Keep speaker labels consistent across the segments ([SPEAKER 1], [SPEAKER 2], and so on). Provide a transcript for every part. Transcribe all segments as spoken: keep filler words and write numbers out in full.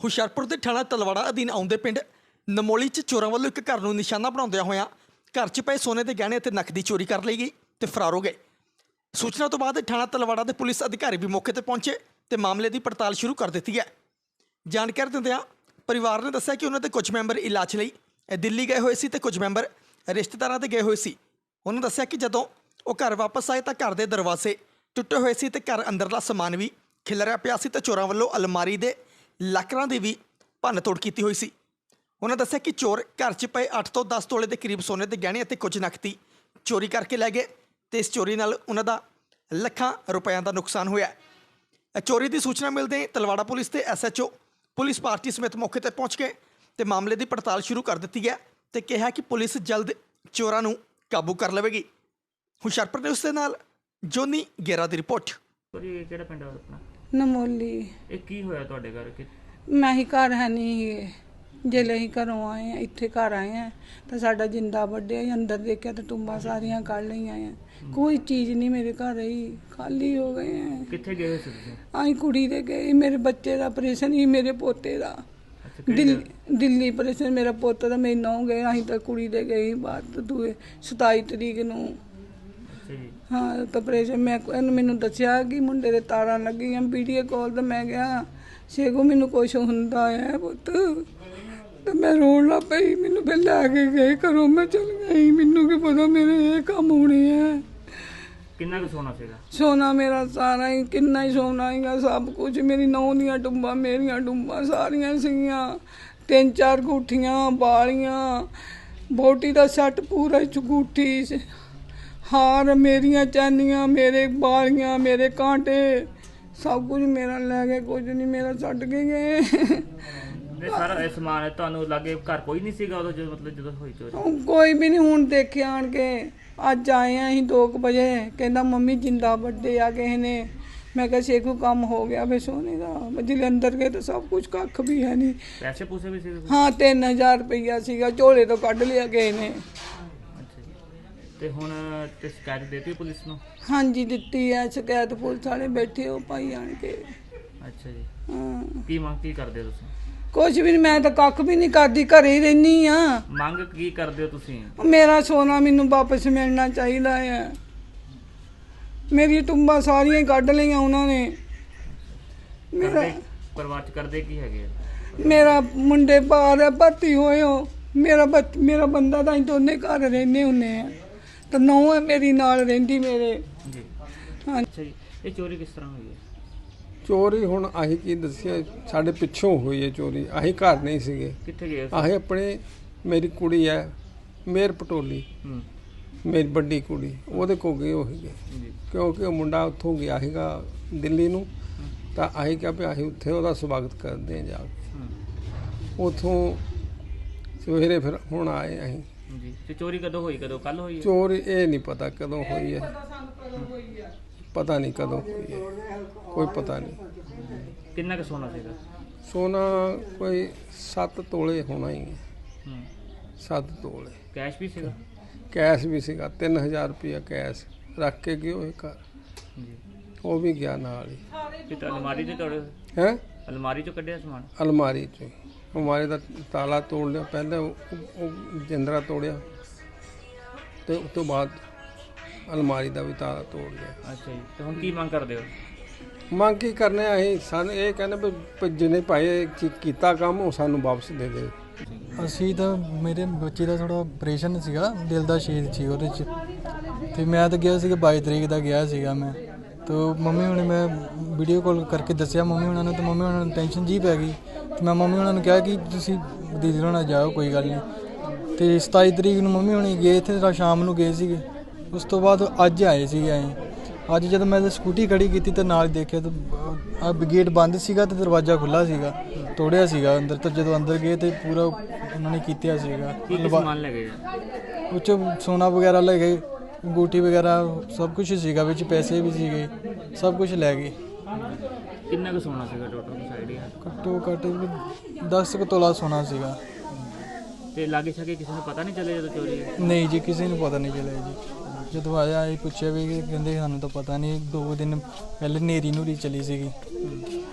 [SPEAKER 1] ਹੁਸ਼ਿਆਰਪੁਰ ਦੇ ਥਾਣਾ ਤਲਵਾੜਾ ਅਧੀਨ ਆਉਂਦੇ ਪਿੰਡ ਨਮੋਲੀ 'ਚ ਚੋਰਾਂ ਵੱਲੋਂ ਇੱਕ ਘਰ ਨੂੰ ਨਿਸ਼ਾਨਾ ਬਣਾਉਂਦਿਆਂ ਹੋਇਆਂ ਘਰ 'ਚ ਪਏ ਸੋਨੇ ਦੇ ਗਹਿਣੇ ਅਤੇ ਨਕਦੀ ਚੋਰੀ ਕਰ ਲਈ ਗਈ ਤੇ ਫਰਾਰ ਹੋ ਗਏ। ਸੂਚਨਾ ਤੋਂ ਬਾਅਦ ਥਾਣਾ ਤਲਵਾੜਾ ਦੇ ਪੁਲਿਸ ਅਧਿਕਾਰੀ ਵੀ ਮੌਕੇ ਤੇ ਪਹੁੰਚੇ ਤੇ ਮਾਮਲੇ ਦੀ ਪੜਤਾਲ ਸ਼ੁਰੂ ਕਰ ਦਿੱਤੀ ਹੈ। ਜਾਣਕਾਰੀ ਦਿੰਦਿਆਂ ਪਰਿਵਾਰ ਨੇ ਦੱਸਿਆ ਕਿ ਉਹਨਾਂ ਦੇ ਕੁਝ ਮੈਂਬਰ ਇਲਾਜ ਲਈ ਦਿੱਲੀ ਗਏ ਹੋਏ ਸੀ ਤੇ ਕੁਝ ਮੈਂਬਰ ਰਿਸ਼ਤੇਦਾਰਾਂ ਦੇ ਗਏ ਹੋਏ ਸੀ। ਉਹਨਾਂ ਦੱਸਿਆ ਕਿ ਜਦੋਂ ਉਹ ਘਰ ਵਾਪਸ ਆਏ ਤਾਂ ਘਰ ਦੇ ਦਰਵਾਜ਼ੇ ਟੁੱਟੇ ਹੋਏ ਸੀ ਤੇ ਘਰ ਅੰਦਰਲਾ ਸਮਾਨ ਵੀ ਖਿਲਰਿਆ ਪਿਆ ਸੀ ਤੇ ਚੋਰਾਂ ਵੱਲੋਂ ਅਲਮਾਰੀ ਦੇ ਲਾਕਰਾਂ ਦੀ ਵੀ ਭੰਨ ਤੋੜ ਕੀਤੀ ਹੋਈ ਸੀ। ਉਹਨਾਂ ਦੱਸਿਆ ਕਿ ਚੋਰ ਘਰ 'ਚ ਪਏ ਅੱਠ ਤੋਂ ਦਸ ਤੋਲੇ ਦੇ ਕਰੀਬ ਸੋਨੇ ਦੇ ਗਹਿਣੇ ਅਤੇ ਕੁਝ ਨਕਦੀ ਚੋਰੀ ਕਰਕੇ ਲੈ ਗਏ ਤੇ ਇਸ ਚੋਰੀ ਨਾਲ ਉਹਨਾਂ ਦਾ ਲੱਖਾਂ ਰੁਪਇਆਂ ਦਾ ਨੁਕਸਾਨ ਹੋਇਆ। ਚੋਰੀ ਦੀ ਸੂਚਨਾ ਮਿਲਦੇ ਹੀ ਤਲਵਾੜਾ ਪੁਲਿਸ ਤੇ S H O police party ਸਮੇਤ ਮੌਕੇ ਤੇ ਪਹੁੰਚ ਗਏ ਤੇ ਮਾਮਲੇ ਦੀ ਪੜਤਾਲ ਸ਼ੁਰੂ ਕਰ ਦਿੱਤੀ ਹੈ ਤੇ ਕਿਹਾ ਕਿ ਪੁਲਿਸ ਜਲਦ ਚੋਰਾਂ ਨੂੰ ਕਾਬੂ ਕਰ ਲਵੇਗੀ। ਹੁਸ਼ਿਆਰਪੁਰ ਨੇ ਉਸ ਦੇ ਨਾਲ ਜੋਨੀ ਗੇਰਾ ਦੀ ਰਿਪੋਰਟ।
[SPEAKER 2] ਇਹ ਕਿਹੜਾ ਪਿੰਡ ਆ ਆਪਣਾ?
[SPEAKER 3] ਨਮੋਲੀ।
[SPEAKER 2] ਇਹ ਕੀ ਹੋਇਆ ਤੁਹਾਡੇ ਘਰ? ਕਿ
[SPEAKER 3] ਮੈਂ ਹੀ ਘਰ ਹੈ ਨਹੀਂ ਜਿਹੜੇ ਅਸੀਂ ਘਰੋਂ ਆਏ ਆ ਇੱਥੇ ਘਰ ਆਏ ਆ ਤਾਂ ਸਾਡਾ ਜਿੰਦਾ ਵੱਢਿਆ ਅੰਦਰ ਦੇਖਿਆ ਤਾਂ ਟੁੰਬਾਂ ਸਾਰੀਆਂ ਕੱਢ ਲਈਆਂ ਆ। ਕੋਈ ਚੀਜ਼ ਨਹੀਂ ਮੇਰੇ ਘਰ ਹੀ ਖਾਲੀ ਹੋ ਗਏ ਆ।
[SPEAKER 2] ਕਿੱਥੇ ਗਏ ਸੀ ਤੁਸੀਂ?
[SPEAKER 3] ਅਸੀਂ ਕੁੜੀ ਦੇ ਗਏ, ਮੇਰੇ ਬੱਚੇ ਦਾ ਆਪਰੇਸ਼ਨ ਹੀ ਮੇਰੇ ਪੋਤੇ ਦਾ ਦਿੱਲੀ ਦਿੱਲੀ ਆਪਰੇਸ਼ਨ ਮੇਰਾ ਪੋਤਾ ਦਾ ਮੇਰੇ ਨੌ ਗਏ। ਅਸੀਂ ਤਾਂ ਕੁੜੀ ਦੇ ਗਏ ਬਾਅਦ ਦੂਏ ਸਤਾਈ ਤਰੀਕ ਨੂੰ। ਹਾਂ ਤਾਂ ਆਪਰੇਸ਼ਨ ਮੈਂ ਇਹਨੂੰ ਮੈਨੂੰ ਦੱਸਿਆ ਕਿ ਮੁੰਡੇ ਦੇ ਤਾਰਾਂ ਲੱਗੀਆਂ ਵੀਡੀਓ ਕਾਲ ਤੇ ਮੈਂ ਕਿਹਾ ਸ਼ੇਗੋ ਮੈਨੂੰ ਕੁਛ ਹੁੰਦਾ ਹੈ ਪੁੱਤ ਤੇ ਮੈਂ ਰੋਣ ਲੱਗ ਪਈ। ਮੈਨੂੰ ਫਿਰ ਲੈ ਕੇ ਗਏ ਘਰੋਂ, ਮੈਂ ਚਲ ਗਈ। ਮੈਨੂੰ ਕੀ ਪਤਾ ਮੇਰੇ ਇਹ ਕੰਮ ਹੋਣੇ ਹੈ।
[SPEAKER 2] ਕਿੰਨਾ ਕੁ ਸੋਨਾ ਸੀਗਾ?
[SPEAKER 3] ਸੋਨਾ ਮੇਰਾ ਸਾਰਾ ਹੀ ਕਿੰਨਾ ਹੀ ਸੋਨਾ ਹੀਗਾ ਸਭ ਕੁਝ। ਮੇਰੀ ਨੌਂ ਦੀਆਂ ਟੁੰਬਾਂ ਮੇਰੀਆਂ ਟੁੰਬਾਂ ਸਾਰੀਆਂ ਸੀਗੀਆਂ। ਤਿੰਨ ਚਾਰ ਗੁੱਠੀਆਂ ਬਾਲੀਆਂ ਬੋਟੀ ਦਾ ਸੈੱਟ ਪੂਰਾ ਚੁਗੂਠੀ ਹਾਰ ਮੇਰੀਆਂ ਚਾਨੀਆਂ ਮੇਰੇ ਬਾਲੀਆਂ ਮੇਰੇ ਕਾਂਟੇ ਸਭ ਕੁਝ ਮੇਰਾ ਲੈ ਗਏ। ਕੁਝ ਨਹੀਂ ਮੇਰਾ ਛੱਡ ਕੇ ਗਏ।
[SPEAKER 2] ਇਹ ਸਾਰਾ ਇਹ ਸਮਾਨ ਤੁਹਾਨੂੰ ਲੱਗੇ ਘਰ ਕੋਈ ਨਹੀਂ ਸੀਗਾ ਉਦੋਂ ਜਦੋਂ ਮਤਲਬ ਜਦੋਂ ਹੋਈ ਚੋਰੀ?
[SPEAKER 3] ਕੋਈ ਵੀ ਨਹੀਂ। ਹੁਣ ਦੇਖਿਆ ਆਣ ਕੇ ਅੱਜ ਆਏ ਆ ਅਸੀਂ ਦੋ ਕੁ ਵਜੇ। ਕਹਿੰਦਾ ਮੰਮੀ ਜਿੰਦਾ ਵੱਡੇ ਆ ਕਿਸੇ ਨੇ। ਮੈਂ ਕਿਹਾ ਸ਼ੇਖੂ ਕੰਮ ਹੋ ਗਿਆ ਵੇ ਸੋਨੇ ਦਾ। ਜਿਲੇ ਅੰਦਰ ਗਏ ਤਾਂ ਸਭ ਕੁਝ ਕੱਖ ਵੀ ਹੈ ਨਹੀਂ।
[SPEAKER 2] ਪੈਸੇ ਪੂਸੇ ਵੀ ਸੀਗੇ?
[SPEAKER 3] ਹਾਂ ਤਿੰਨ ਹਜ਼ਾਰ ਰੁਪਈਆ ਸੀਗਾ ਝੋਲੇ ਤੋਂ ਕੱਢ ਲਿਆ ਗਏ ਨੇ।
[SPEAKER 2] ਅੱਛਾ ਜੀ। ਤੇ ਹੁਣ ਤੇ ਸ਼ਿਕਾਇਤ ਦੇਤੀ ਪੁਲਿਸ ਨੂੰ?
[SPEAKER 3] ਹਾਂਜੀ ਦਿੱਤੀ ਹੈ ਸ਼ਿਕਾਇਤ। ਪੁਲਿਸ ਵਾਲੇ ਬੈਠੇ ਹੋ ਭਾਈ ਆਣ ਕੇ।
[SPEAKER 2] ਅੱਛਾ ਜੀ।
[SPEAKER 3] ਹਾਂ
[SPEAKER 2] ਕੀ ਮੰਗ ਕੀ ਕਰਦੇ ਹੋ ਤੁਸੀਂ?
[SPEAKER 3] ਕੁਝ ਵੀ ਨਹੀਂ, ਮੈਂ ਤਾਂ ਕੱਖ ਵੀ ਨਹੀਂ ਕਰਦੀ, ਘਰੇ ਹੀ ਰਹਿਨੀ ਆ।
[SPEAKER 2] ਮੰਗ ਕੀ ਕਰਦੇ ਹੋ ਤੁਸੀਂ?
[SPEAKER 3] ਮੇਰਾ ਸੋਨਾ ਮੈਨੂੰ ਵਾਪਸ ਮਿਲਣਾ ਚਾਹੀਦਾ ਹੈ। ਮੇਰੀ ਟੁੰਬਾਂ ਸਾਰੀਆਂ ਹੀ ਕੱਢ ਲਈਆਂ ਉਹਨਾਂ ਨੇ। ਮੇਰਾ
[SPEAKER 2] ਕਰਦੇ ਪਰਿਵਾਰ ਚ ਕਰਦੇ ਕੀ ਹੈਗੇ?
[SPEAKER 3] ਮੇਰਾ ਮੁੰਡੇ ਬਾਹਰ ਭਰਤੀ ਹੋਏ ਹੋ। ਮੇਰਾ ਬੱਚ ਮੇਰਾ ਬੰਦਾ ਤਾਂ ਅਸੀਂ ਦੋਨੇ ਘਰ ਰਹਿੰਦੇ ਹੁੰਦੇ ਆ ਤਾਂ ਨੌਂ ਹੈ ਮੇਰੀ ਨਾਲ ਰਹਿੰਦੀ ਮੇਰੇ।
[SPEAKER 2] ਜੀ।
[SPEAKER 3] ਹਾਂ
[SPEAKER 2] ਅੱਛਾ ਜੀ। ਇਹ ਚੋਰੀ ਕਿਸ ਤਰ੍ਹਾਂ ਹੋਈ ਹੈ?
[SPEAKER 4] ਚੋਰੀ ਹੁਣ ਅਸੀਂ ਕੀ ਦੱਸਿਆ, ਸਾਡੇ ਪਿੱਛੋਂ ਹੋਈ ਹੈ ਚੋਰੀ। ਅਸੀਂ ਘਰ ਨਹੀਂ ਸੀਗੇ।
[SPEAKER 2] ਕਿੱਥੇ ਗਏ ਸੀ?
[SPEAKER 4] ਅਸੀਂ ਆਪਣੇ ਮੇਰੀ ਕੁੜੀ ਹੈ ਮੇਰ ਪਟੋਲੀ,
[SPEAKER 2] ਹੂੰ
[SPEAKER 4] ਮੇਰੀ ਵੱਡੀ ਕੁੜੀ, ਉਹਦੇ ਕੋਲ ਗਏ ਉਹ ਸੀਗੇ
[SPEAKER 2] ਜੀ।
[SPEAKER 4] ਕਿਉਂਕਿ ਉਹ ਮੁੰਡਾ ਉੱਥੋਂ ਗਿਆ ਸੀਗਾ ਦਿੱਲੀ ਨੂੰ। ਤਾਂ ਅਸੀਂ ਕਿਹਾ ਵੀ ਅਸੀਂ ਉੱਥੇ ਉਹਦਾ ਸਵਾਗਤ ਕਰਦੇ ਹਾਂ ਜਾ ਕੇ।
[SPEAKER 2] ਹੂੰ
[SPEAKER 4] ਉੱਥੋਂ ਸਵੇਰੇ ਫਿਰ ਹੁਣ ਆਏ ਅਸੀਂ।
[SPEAKER 2] ਜੀ। ਤੇ ਚੋਰੀ ਕਦੋਂ ਹੋਈ? ਕਦੋਂ? ਕੱਲ ਹੋਈ ਹੈ?
[SPEAKER 4] ਚੋਰੀ ਇਹ ਨਹੀਂ ਪਤਾ ਕਦੋਂ ਹੋਈ ਹੈ, ਪਤਾ ਨਹੀਂ ਕਦੋਂ ਹੋਈ ਹੈ, ਕੋਈ ਪਤਾ ਨਹੀਂ।
[SPEAKER 2] ਕਿੰਨਾ ਕੁ ਸੋਨਾ ਸੀਗਾ?
[SPEAKER 4] ਸੋਨਾ ਕੋਈ ਸੱਤ ਤੋਲੇ ਹੋਣਾ ਹੀ ਹੈ।
[SPEAKER 2] ਹੂੰ
[SPEAKER 4] ਸੱਤ ਤੋਲੇ
[SPEAKER 2] ਕੈਸ਼ ਵੀ ਸੀਗਾ?
[SPEAKER 4] ਕੈਸ਼ ਵੀ ਸੀਗਾ। ਤਿੰਨ ਹਜ਼ਾਰ ਰੁਪਇਆ ਕੈਸ਼ ਰੱਖ ਕੇ ਗਏ ਉਹ ਘਰ,
[SPEAKER 2] ਜੀ।
[SPEAKER 4] ਉਹ ਵੀ ਗਿਆ ਨਾਲ ਹੀ।
[SPEAKER 2] ਤੇ ਤਾਂ ਅਲਮਾਰੀ ਚ ਤੋੜੇ?
[SPEAKER 4] ਹੈ
[SPEAKER 2] ਅਲਮਾਰੀ ਚੋਂ ਕੱਢਿਆ ਸਮਾਨ?
[SPEAKER 4] ਅਲਮਾਰੀ 'ਚ ਅਲਮਾਰੀ ਦਾ ਤਾਲਾ ਤੋੜ ਲਿਆ ਪਹਿਲਾਂ, ਉਹ ਉਹ ਜਿੰਦਰਾ ਤੋੜਿਆ ਤੇ ਉਸ ਤੋਂ ਬਾਅਦ ਅਲਮਾਰੀ ਦਾ ਵੀ ਤਾਲਾ ਤੋੜ ਲਿਆ।
[SPEAKER 2] ਅੱਛਾ ਜੀ। ਤੇ ਹੁਣ ਕੀ ਮੰਗ ਕਰਦੇ ਹੋ?
[SPEAKER 4] ਮੰਗ ਕੀ ਕਰਨੇ ਆ ਅਸੀਂ? ਸਾਨੂੰ ਇਹ ਕਹਿੰਦੇ ਵੀ ਜਿਹਨੇ ਭਾਈ ਕੀਤਾ ਕੰਮ ਉਹ ਸਾਨੂੰ ਵਾਪਸ ਦੇ ਦੇ।
[SPEAKER 5] ਅਸੀਂ ਤਾਂ ਮੇਰੇ ਬੱਚੇ ਦਾ ਥੋੜਾ ਆਪਰੇਸ਼ਨ ਸੀਗਾ, ਦਿਲ ਦਾ ਛੇਦ ਸੀ ਉਹਦੇ 'ਚ ਤੇ ਮੈਂ ਤਾਂ ਗਿਆ ਸੀਗਾ ਬਾਈ ਤਰੀਕ ਦਾ ਗਿਆ ਸੀਗਾ ਮੈਂ। ਤਾਂ ਮੰਮੀ ਹੁਣੇ ਮੈਂ ਵੀਡੀਓ ਕਾਲ ਕਰਕੇ ਦੱਸਿਆ ਮੰਮੀ ਉਹਨਾਂ ਨੂੰ, ਤੇ ਮੰਮੀ ਉਹਨਾਂ ਨੂੰ ਟੈਨਸ਼ਨ ਜੀ ਪੈ ਗਈ। ਤੇ ਮੈਂ ਮੰਮੀ ਉਹਨਾਂ ਨੂੰ ਕਿਹਾ ਕਿ ਤੁਸੀਂ ਦੀਦੀ ਹੋਣਾ ਜਾਓ ਕੋਈ ਗੱਲ ਨਹੀਂ। ਤੇ ਸਤਾਈ ਤਰੀਕ ਨੂੰ ਮੰਮੀ ਹੁਣੀ ਗਏ ਇੱਥੇ ਤਾਂ ਸ਼ਾਮ ਨੂੰ ਗਏ ਸੀਗੇ। ਉਸ ਤੋਂ ਬਾਅਦ ਅੱਜ ਆਏ ਸੀਗੇ ਅਸੀਂ। ਅੱਜ ਜਦੋਂ ਮੈਂ ਸਕੂਟੀ ਖੜੀ ਕੀਤੀ ਤਾਂ ਨਾਲ ਦੇਖਿਆ ਤਾਂ ਆ ਗੇਟ ਬੰਦ ਸੀਗਾ ਤੇ ਦਰਵਾਜ਼ਾ ਖੁੱਲ੍ਹਾ ਸੀਗਾ, ਤੋੜਿਆ ਸੀਗਾ ਅੰਦਰ। ਤਾਂ ਜਦੋਂ ਅੰਦਰ ਗਏ ਤੇ ਪੂਰਾ ਉਹਨਾਂ ਨੇ ਕੀਤਾ ਸੀਗਾ।
[SPEAKER 2] ਕੀ ਕੀ ਸਮਾਨ ਲੈ ਗਏ?
[SPEAKER 5] ਉਹ 'ਚ ਸੋਨਾ ਵਗੈਰਾ ਲੈ ਗਏ, ਅੰਗੂਠੀ ਵਗੈਰਾ ਸਭ ਕੁਝ ਸੀਗਾ, ਵਿੱਚ ਪੈਸੇ ਵੀ ਸੀਗੇ, ਸਭ ਕੁਝ ਲੈ ਗਏ।
[SPEAKER 2] ਕਿੰਨਾ ਕੁ ਸੋਨਾ ਸੀਗਾ ਟੋਟਲ ਸਾਈਡ?
[SPEAKER 5] ਘੱਟੋ ਘੱਟ ਦਸ ਕੁ ਤੋਲਾ ਸੋਨਾ ਸੀਗਾ।
[SPEAKER 2] ਤੇ ਲਾਗੇ ਛਾਗੇ ਕਿਸੇ ਨੂੰ ਪਤਾ ਨਹੀਂ ਚੱਲਿਆ ਜਦੋਂ ਚੋਰੀ ਹੋਈ?
[SPEAKER 5] ਨਹੀਂ ਜੀ, ਕਿਸੇ ਨੂੰ ਪਤਾ ਨਹੀਂ ਚੱਲਿਆ ਜੀ। ਜਦੋਂ ਆਇਆ ਇਹ ਪੁੱਛਿਆ ਵੀ ਕਹਿੰਦੇ ਸਾਨੂੰ ਤਾਂ ਪਤਾ ਨਹੀਂ, ਦੋ ਦਿਨ ਪਹਿਲੇ ਨੇਰੀ ਨੂਰੀ ਚਲੀ ਸੀਗੀ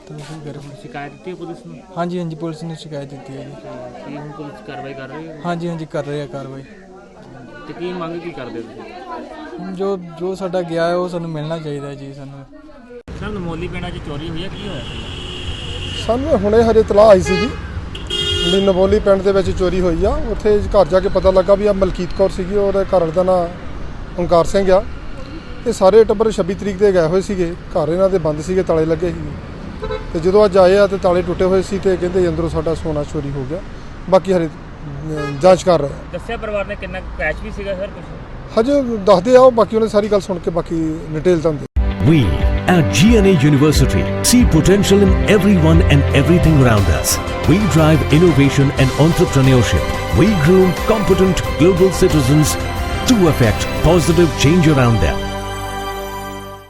[SPEAKER 5] ਤਾਂ ਅਸੀਂ ਕਰ
[SPEAKER 2] ਸ਼ਿਕਾਇਤ ਦਿੱਤੀ ਹੈ ਪੁਲਿਸ ਨੂੰ?
[SPEAKER 5] ਹਾਂਜੀ ਹਾਂਜੀ ਪੁਲਿਸ ਨੇ ਸ਼ਿਕਾਇਤ ਦਿੱਤੀ ਹੈ ਜੀ।
[SPEAKER 2] ਕੀ ਹੁਣ ਪੁਲਿਸ ਕਾਰਵਾਈ ਕਰ ਰਹੀ ਹੈ?
[SPEAKER 5] ਹਾਂਜੀ ਹਾਂਜੀ ਕਰ ਰਹੇ ਆ ਕਾਰਵਾਈ।
[SPEAKER 2] ਤੇ ਕੀ ਮੰਗ ਕੀ ਕਰਦੇ ਹੋ ਤੁਸੀਂ?
[SPEAKER 5] ਹੁਣ ਜੋ ਜੋ ਸਾਡਾ ਗਿਆ ਹੈ ਉਹ ਸਾਨੂੰ ਮਿਲਣਾ ਚਾਹੀਦਾ ਜੀ ਸਾਨੂੰ।
[SPEAKER 2] ਸਰ ਨਮੋਲੀ ਪਿੰਡਾਂ 'ਚ ਚੋਰੀ ਹੋਈ ਹੈ, ਕੀ ਹੋਇਆ ਸੀ?
[SPEAKER 6] ਸਾਨੂੰ ਹੁਣੇ ਹਜੇ ਤਲਾਹ ਆਈ ਸੀਗੀ ਵੀ ਨਵੋਲੀ ਪਿੰਡ ਦੇ ਵਿੱਚ ਚੋਰੀ ਹੋਈ ਆ। ਉੱਥੇ ਘਰ ਜਾ ਕੇ ਪਤਾ ਲੱਗਾ ਵੀ ਆ ਮਲਕੀਤ ਕੌਰ ਸੀਗੀ, ਉਹਦੇ ਘਰ ਵਾਲੇ ਦਾ ਨਾਂ ਓਂਕਾਰ ਸਿੰਘ ਆ। ਇਹ ਸਾਰੇ ਟੱਬਰ ਛੱਬੀ ਤਰੀਕ ਦੇ ਗਏ ਹੋਏ ਸੀਗੇ, ਘਰ ਇਹਨਾਂ ਦੇ ਬੰਦ ਸੀਗੇ, ਤਾਲੇ ਲੱਗੇ ਸੀ। ਤੇ ਜਦੋਂ ਅੱਜ ਆਏ ਆ ਤੇ ਤਾਲੇ ਟੁੱਟੇ ਹੋਏ ਸੀ ਤੇ ਕਹਿੰਦੇ ਅੰਦਰੋਂ ਸਾਡਾ ਸੋਨਾ ਚੋਰੀ ਹੋ ਗਿਆ। ਬਾਕੀ ਹਰੇ ਅਹ, ਜਾਂਚ ਕਰ ਰਹੇ ਆ।
[SPEAKER 2] ਦੱਸਿਆ ਪਰਿਵਾਰ ਨੇ ਕਿੰਨਾ ਕੈਸ਼ ਵੀ ਸੀਗਾ ਸਰ ਕੁਝ?
[SPEAKER 6] ਹਜੇ ਦੱਸਦੇ ਆ ਉਹ, ਬਾਕੀ ਉਹਨੇ ਸਾਰੀ ਗੱਲ ਸੁਣ ਕੇ ਬਾਕੀ ਡਿਟੇਲ ਤਾਂ
[SPEAKER 7] We at G N A University see potential in everyone and everything around us. We drive innovation and entrepreneurship. We groom competent global citizens to affect positive change around them.